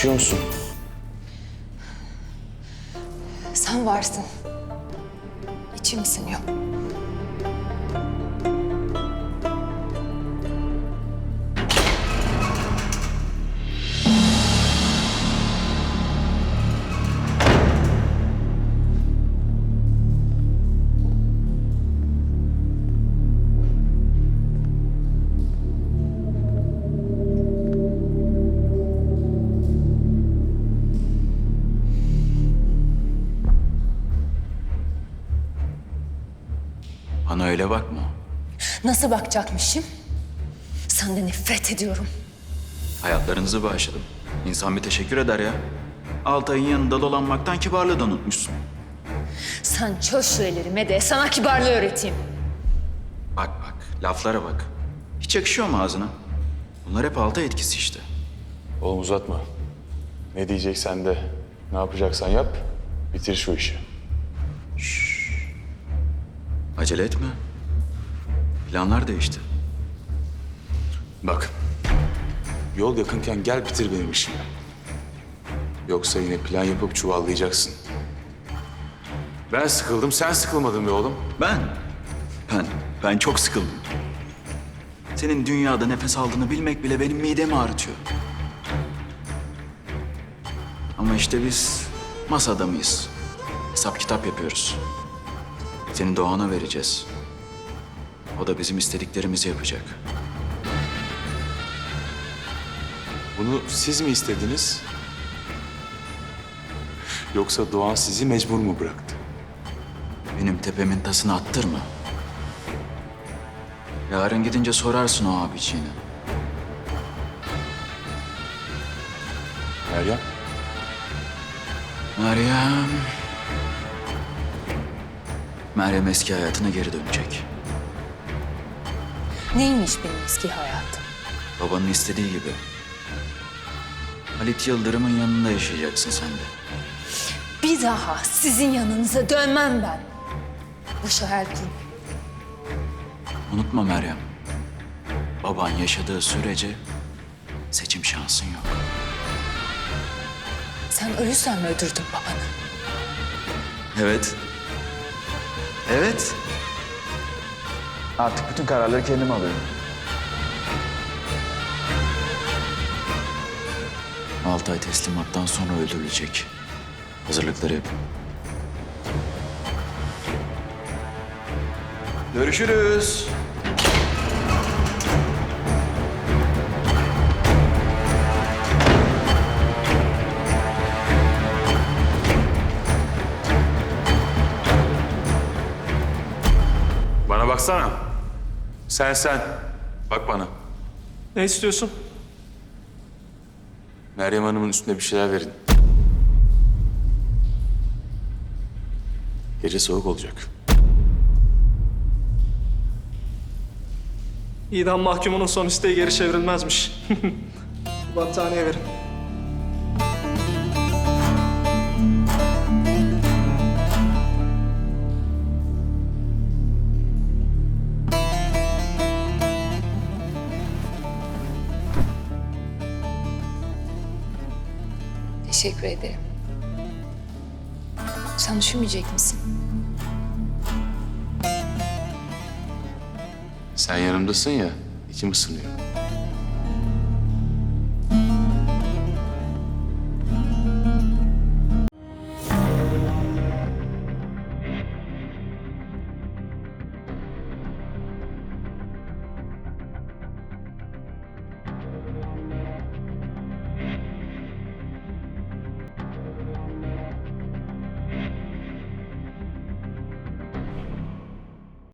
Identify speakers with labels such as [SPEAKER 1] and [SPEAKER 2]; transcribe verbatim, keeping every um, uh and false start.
[SPEAKER 1] Yaşıyor musun?
[SPEAKER 2] Sen varsın. İçim ısınıyor.
[SPEAKER 3] Bana öyle bakma.
[SPEAKER 2] Nasıl bakacakmışım? Senden nefret ediyorum.
[SPEAKER 3] Hayatlarınızı bağışladım. İnsan bir teşekkür eder ya. Altay'ın yanında dolanmaktan kibarlığı da unutmuşsun.
[SPEAKER 2] Sen çöz şu ellerime de sana kibarlığı öğreteyim.
[SPEAKER 3] Bak bak, laflara bak. Hiç yakışıyor mu ağzına? Bunlar hep Altay etkisi işte.
[SPEAKER 1] Oğlum uzatma. Ne diyeceksen de, ne yapacaksan yap, bitir şu işi.
[SPEAKER 3] Acele etme. Planlar değişti.
[SPEAKER 1] Bak, yol yakınken gel bitir benim işimi. Yoksa yine plan yapıp çuvallayacaksın. Ben sıkıldım, sen sıkılmadın be oğlum.
[SPEAKER 3] Ben, ben, ben çok sıkıldım. Senin dünyada nefes aldığını bilmek bile benim midemi ağrıtıyor. Ama işte biz masa adamıyız. Hesap kitap yapıyoruz. Seni Doğan'a vereceğiz. O da bizim istediklerimizi yapacak.
[SPEAKER 1] Bunu siz mi istediniz? Yoksa Doğan sizi mecbur mu bıraktı?
[SPEAKER 3] Benim tepemin tasını attırma. Yarın gidince sorarsın o abiciğine.
[SPEAKER 1] Meryem,
[SPEAKER 3] Meryem... Meryem eski hayatına geri dönecek.
[SPEAKER 2] Neymiş benim eski hayatım?
[SPEAKER 3] Babanın istediği gibi. Halit Yıldırım'ın yanında yaşayacaksın sen de.
[SPEAKER 2] Bir daha sizin yanınıza dönmem ben. Boş hayal kurmayın.
[SPEAKER 3] Unutma Meryem. Baban yaşadığı sürece seçim şansın yok.
[SPEAKER 2] Sen o yüzden mi öldürdün babanı?
[SPEAKER 3] Evet. Evet. Artık bütün kararları kendim alıyorum. Altay teslimattan sonra öldürülecek. Hazırlıkları yapın. Görüşürüz.
[SPEAKER 1] bana baksana. Sen sen, bak bana.
[SPEAKER 4] Ne istiyorsun?
[SPEAKER 1] Meryem Hanım'ın üstüne bir şeyler verin. Gece soğuk olacak.
[SPEAKER 4] İdam mahkumunun son isteği geri çevrilmezmiş. Battaniye verin.
[SPEAKER 2] Teşekkür ederim. Sen düşünmeyecek misin?
[SPEAKER 1] Sen yanımdasın ya, içim ısınıyor.